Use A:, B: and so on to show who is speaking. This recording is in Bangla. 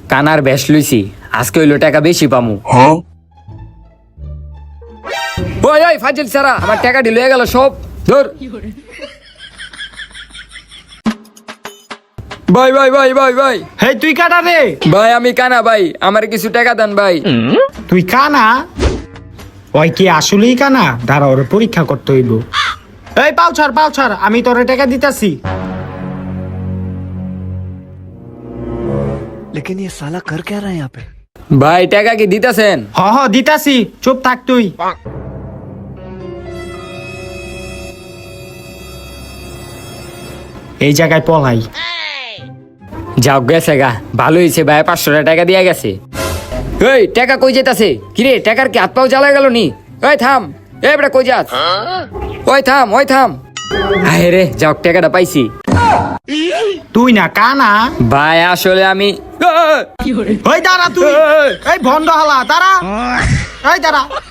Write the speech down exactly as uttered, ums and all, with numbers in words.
A: কানার বেশ লইছি, আজকে হইলো টাকা বেশি পামু। ওই ওই ফাজিল সারা, আমার টাকা ঢিল হয়ে গেল সব। ধর ভাই ভাই ভাই ভাই ভাই
B: হেই তুই কানা রে?
A: ভাই আমি কানা ভাই, আমার কিছু টাকা দেন ভাই।
B: তুই কানা? ওই কি আসলেই কানা? দাঁড়া, ওর পরীক্ষা করতে হইব। এই পাও ছাড়, পাও ছাড়, আমি তোরে টাকা দিতাছি।
C: लेकिन ये साला कर क्या रहा है यहाँ पे?
A: ভাই টাকা কি দিতেছেন?
B: হ হ দিতাছি, চুপ থাক তুই। এই জায়গায় পলাই।
A: যাও গেছে গা, ভালো হয়েছে ভাই, পাঁচশো টাকা দিয়ে গেছে। এই টাকা কই যেতাছে? কিরে টাকার কি হাত পাও জ্বালা গেল নি? ওই থাম, এই বেটা কই যাস? ওই থাম, ওই থাম। আরে রে, যাও টাকাটা পাইছি।
B: তুই না কানা?
A: ভাই আসলে আমি
B: ওই দাঁড়া তুই, এই ভন্ড হালা দাঁড়া, এই দাঁড়া।